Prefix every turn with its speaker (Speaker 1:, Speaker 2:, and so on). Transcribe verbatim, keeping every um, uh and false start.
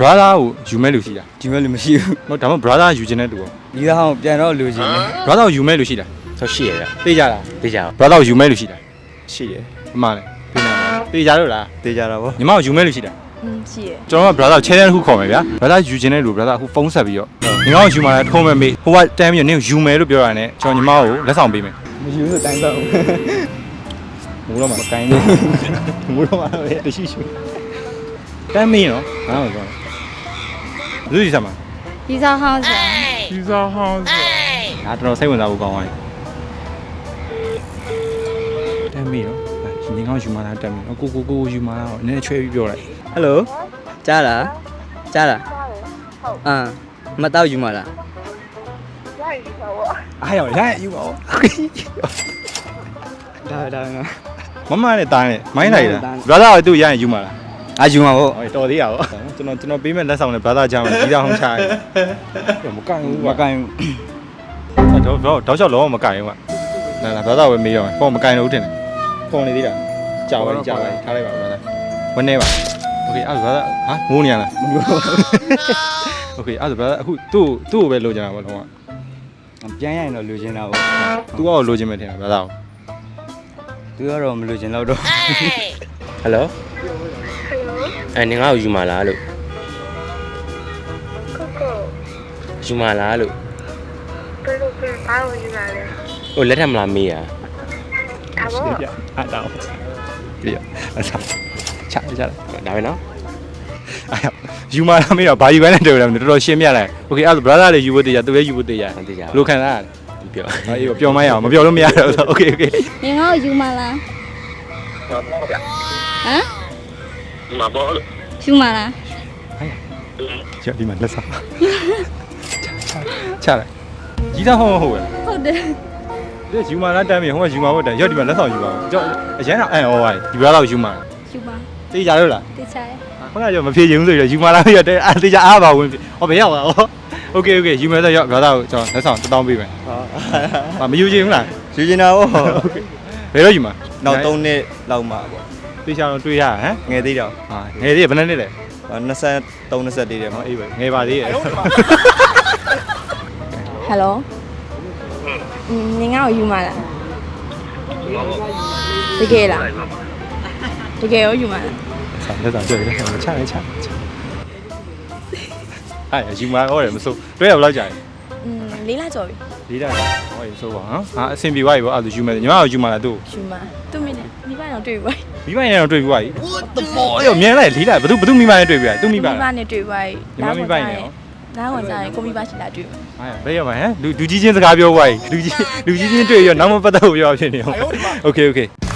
Speaker 1: brother ကိုယူမဲ့လူရှိတာ
Speaker 2: ယူမဲ့လူမရှိဘူး
Speaker 1: ဟုတ်ဒါမှ brother ယူခြင်းတဲ့တူပေါ့
Speaker 2: ဒီသားအောင်ပြန်တော့လူချင်းနေ
Speaker 1: brother ကိုယူမဲ့လူရှိတာ
Speaker 3: ဆောက်ရှိရဗျ
Speaker 1: သိကြလား
Speaker 3: သိကြပါ
Speaker 1: brother ကိုယူမဲ့လူရှိတာ
Speaker 2: ရှိတယ်
Speaker 1: အမှန်လေသိနေပါသိကြလို့လား
Speaker 2: တေးကြတာဗော
Speaker 1: ညီမကိုယူမဲ့လူရှိတာ
Speaker 4: อืมရှိရ
Speaker 1: ကျွန်တော်က brother ကို channel တစ်ခုခေါ်မယ်ဗျာ brother ယူခြင်းတဲ့လူ brother အခုဖုန်းဆက်ပြီးတော့ညီမကိုယူမှာထုံးမဲ့မေးဟိုကတန်းပြီးတော့နင်းကိုယူမယ်လို့ပြောရတယ်ကျွန်တော်ညီမကိုလက်ဆောင်ပေးမယ်
Speaker 2: မယူဆိုတိုင်းတော့
Speaker 1: မိုးတော့မှမကိုင်းဘူးမိုးတော့မှပဲတရှိရှိတမ်းမင်းနော်ငါ့ကိုပြောလူကြီးစားမှာ
Speaker 4: ဒီစားဟောင်းဆို
Speaker 1: ဒီစားဟောင်းငါတော်တော်စိတ်ဝင်စားဖို့ကောင်းသွားပြီတမ်းမင်းနော်ညီကောင်ယူမှာလားတမ်းမင်းနော်ကိုကိုကိုယူမှာလားနည်းနည်းချွဲပြီးပြောလိုက်
Speaker 2: ဟယ်လိုကြားလားကြားလားအာမတော့ယူမလားအားရရယူပါဦးဒါဒါငါ
Speaker 1: မမနဲ့တားနဲ့မိုင်းလိုက်တာ brother ကသူ့ရရင်ယူမှာလား
Speaker 2: အာယူမှာဗော
Speaker 1: ဟောတော်သေးရပါကျွန်တော်ကျွန်တော်ပေးမဲ့လက်ဆောင်နဲ့ brother ချာမှာဒီတော့ဟောင်းချရတယ်မကန်ဘူး
Speaker 2: မ
Speaker 1: ကွာ
Speaker 2: ကိုင်းဘူး
Speaker 1: တော့တော့တောက်လျှောက်လုံးဝမကန်ဘူးကွာလာလာ brother ပဲမေးတော့ဖုန်းမကန်လို့တင်တယ်ဖုန်းနေသေးတာကြာပါကြာပါထားလိုက်ပါ brother ဝန်းနေပါ okay အဲ့ဒါ brother ဟာငိုးနေရလား
Speaker 2: မလို့
Speaker 1: okay အဲ့ဒါ brother အခုသူ့သူ့ကိုပဲလိုချင်တာပေါ့လုံးဝ
Speaker 2: ပြန်ရရင်တော့လူချင်းတာဗော
Speaker 1: သူ့ကိုလိုချင်မယ်ထင်တာ brother
Speaker 2: သူကတော့မလူချင်းတော့တော့
Speaker 3: ဟယ်လိုအဲနင်ငါ့ကိုယူမှာလားလို့ကိုကိုယူမှာလားလို့ဘယ်လိုပဲဘာလို့ယူမှာလဲဟိုလက်ထပ်မလားမေးရ
Speaker 1: ဒါပေါ့အဲ့ဒါပြရအဲ့ဒါချာချာ
Speaker 3: ဒါပဲနော်
Speaker 1: အဲ့ယူမာလာမေးတော့ဘာယူခိုင်းနေတယ်တော်တော်ရှင်းပြလိုက် okay အဲ့ဒါ brother လေးယူဖို့တရားသူလည်းယူဖို့တရား
Speaker 3: သိကြပါ
Speaker 1: လိုခံစားရတယ်
Speaker 3: ပြော
Speaker 1: အေးပြောမရအောင်မပြောလို့မရတော့ okay okay
Speaker 4: ငင်ငါ့ကိုယူမလားဟမ်မဘောလို့ယူမလား
Speaker 1: ကျဒီမှာလက်စားချလိုက်ကြီးသားဟောမဟုတ်ဘူး
Speaker 4: ဟုတ်တယ်
Speaker 1: ဒီယူမာလာတမ်းမြေဟိုကယူမာဖို့တမ်းရောက်ဒီမှာလက်ဆောင်ယူပါဦးကျွန်တော်အရန်တော့အန်အော်ပါဒီဘက်တော့ယူမာ
Speaker 4: ယူပါ
Speaker 1: သိကြလို့လား
Speaker 4: တေချာရ
Speaker 1: ခုနကမဖြေချင်ဘူးဆိုတော့ယူမာလာရတဲ့အာသိကြအားပါဝင်ဟောဘယ်ရောက်လာဟော okay okay ယူမယ်ဆိုရောက်ဘာသာကိုကျွန်တော်လက်ဆောင်တစ်တောင်းပေးမယ်ဟာမယူချင်ဘူးလား
Speaker 2: ယူချင်းတာဗော
Speaker 1: okay ဘယ်တော့ယူမှာ
Speaker 2: နောက်သုံးနှစ်လောက်မှာဗော
Speaker 1: သိချာတော့တွေးရဟမ်
Speaker 2: ငယ်သေးတော့
Speaker 1: ဟာငယ်သေးဘယ်နှစ်နှစ်လဲ
Speaker 2: 23 24တည်းတယ်မှာ
Speaker 1: အေးပဲငယ်ပါသေးရဲ့
Speaker 4: ဟယ်လိုอืมငင်ငါ့ကိုယူမလားတကယ်လားတကယ်ရောယူမလား
Speaker 1: ဆောင်းလက်ဆောင်ကြွရတယ်ချလိုက်ချချအဲ့ယူမာဟောတယ်မစိုးတွဲရဘယ်လောက်ကြာလဲ
Speaker 4: อืมလေးလာကြော်ပြီ
Speaker 1: လေးတာဟောရေစိုးပါဟမ်ဟာအဆင်ပြေသွားပြီပေါ့အဲ့ဒါယူမယ်ညီမကယူမာလားသူ့
Speaker 4: ယူမသူ့မိနဲ့မိဘတော့တွေ့ပြီ
Speaker 1: မိမနဲ့တော့တွေ့ပြီးသွားပြီဘောရောမြင်လိုက်လေးလိုက်ဘသူဘသူမိမနဲ့တွေ့ပြီးသွားသူ့မိမ
Speaker 4: မိ
Speaker 1: လား
Speaker 4: ဘနဲ့တွေ့ပြီ
Speaker 1: ညီမမိဘနဲ့ရော
Speaker 4: နားဝင်ကြရင်ကိုမိဘရှိလာတွေ့ပြီ
Speaker 1: ဟာဘယ်ရောက်မှာဟမ်လူလူကြီးချင်းစကားပြောသွားပြီလူကြီးလူကြီးချင်းတွေ့ရောနောက်မပတ်သက်ဘူးပြောဖြစ်နေအောင် okay okay